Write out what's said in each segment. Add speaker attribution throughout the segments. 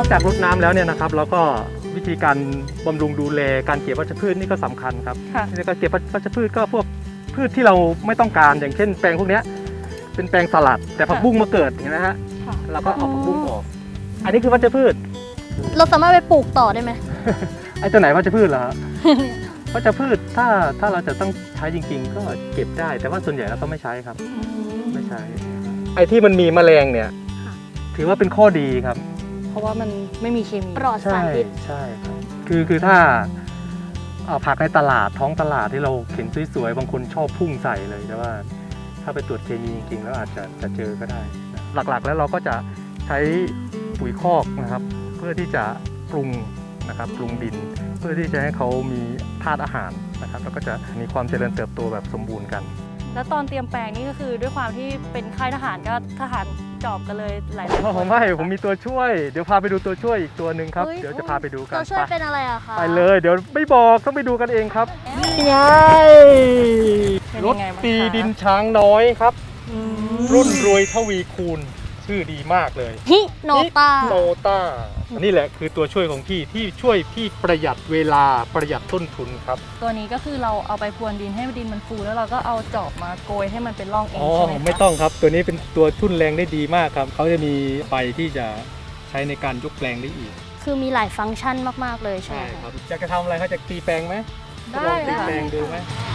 Speaker 1: จากรดน้ำแล้วเนี่ยนะครับแล้วก็วิธีการบำรุงดูแลการเก็บวัชพืชนี่ก็สำคัญครับในการเก็บวัชพืชก็พวกพืชที่เราไม่ต้องการอย่างเช่นแปลงพวกนี้เป็นแปลงสลัดแต่ผักบุ้งมาเกิดเห็นไหมฮะเราก็เอาผักบุ้งออกอันนี้คือวัชพืช
Speaker 2: เราสามารถไปปลูกต่อได้ไหม
Speaker 1: ไอ้ตัวไหนวัชพืชเหรอ วัชพืชถ้าเราจะต้องใช้จริงๆก็เก็บได้แต่ว่าส่วนใหญ่เราก็ไม่ใช้ครับไม่ใช้ไอ้ที่มันมีแมลงเนี่ยถือว่าเป็นข้อดีครับ
Speaker 3: เพราะว่ามันไม่มีเคมี
Speaker 2: ปลอดสารพิษ
Speaker 1: ใช่ครับคือถ้าผักในตลาดท้องตลาดที่เราเห็นสวยๆบางคนชอบพุ่งใส่เลยแต่ว่าถ้าไปตรวจเคมีจริงๆแล้วอาจจะเจอก็ได้หลักๆแล้วเราก็จะใช้ปุ๋ยคอกนะครับเพื่อที่จะปรุงนะครับปรุงดินเพื่อที่จะให้เขามีธาตุอาหารนะครับแล้วก็จะมีความเจริญเติบโตแบบสมบูรณ์กัน
Speaker 3: แล้วตอนเตรียมแปลงนี่ก็คือด้วยความที่เป็นค่ายทหารก็ทหารจอบกันเลยหลายๆคน
Speaker 1: ผมมีตัวช่วยเดี๋ยวพาไปดูตัวช่วยอีกตัวหนึ่งครับเดี๋ยวจะพาไปดูกัน
Speaker 2: ตัวช่วยเป็นอะไรอะคะ
Speaker 1: ไปเลยเดี๋ยวไม่บอกต้องไปดูกันเองครับนี่ไงรถตีดินช้างน้อยครับรุ่นรวยทวีคูณชื่อดีมากเลย
Speaker 2: ฮิโนต้า
Speaker 1: นี่แหละคือตัวช่วยของพี่ที่ช่วยพี่ประหยัดเวลาประหยัดต้นทุนครับ
Speaker 3: ตัวนี้ก็คือเราเอาไปพรวนดินให้ดินมันฟูแล้วเราก็เอาจอบมาโกยให้มันเป็นร่องเองใช่ไหมคะ
Speaker 1: ไม่ต้องครับตัวนี้เป็นตัวทุ่นแรงได้ดีมากครับเขาจะมีไฟที่จะใช้ในการยกแปลงได้อีก
Speaker 2: คือมีหลายฟังก์ชันมากๆเลยใช่ไหม
Speaker 1: ครับอยากจะทำอะไรเขาจะตีแปลงไหม
Speaker 3: ได้
Speaker 1: ตีแปลงดูไหม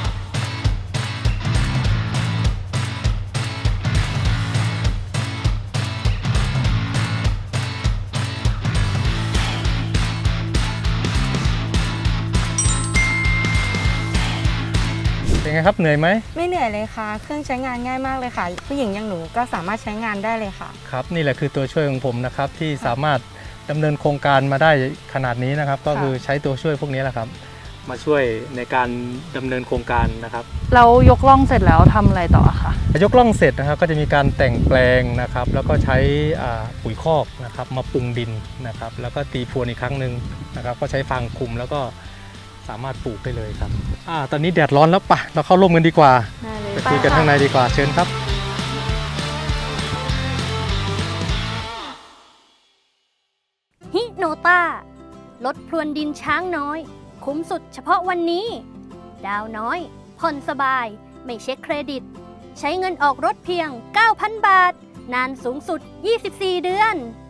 Speaker 1: เป็นไงครับเหนื่อยไหม
Speaker 4: ไม่เหนื่อยเลยค่ะเครื่องใช้งานง่ายมากเลยค่ะผู้หญิงอย่างหนูก็สามารถใช้งานได้เลยค่ะ
Speaker 1: ครับนี่แหละคือตัวช่วยของผมนะครับที่สามารถดำเนินโครงการมาได้ขนาดนี้นะครับก็คือใช้ตัวช่วยพวกนี้แหละครับมาช่วยในการดำเนินโครงการนะครับ
Speaker 3: เรายกล่องเสร็จแล้วทำอะไรต่อคะ
Speaker 1: ยกล่องเสร็จนะครับก็จะมีการแต่งแปลงนะครับแล้วก็ใช้ปุ๋ยคอกนะครับมาปรุงดินนะครับแล้วก็ตีพรวนอีกครั้งหนึ่งนะครับก็ใช้ฟางคลุมแล้วก็สามารถปลูกได้เลยครับตอนนี้แดดร้อนแล้วปะเราเข้าร่มกันดีกว่าไปคุยกันข้างในดีกว่าเชิญครับ
Speaker 2: ฮิโนต้าลดพรวนดินช้างน้อยคุ้มสุดเฉพาะวันนี้ดาวน้อยผ่อนสบายไม่เช็คเครดิตใช้เงินออกรถเพียง 9,000 บาทนานสูงสุด24 เดือน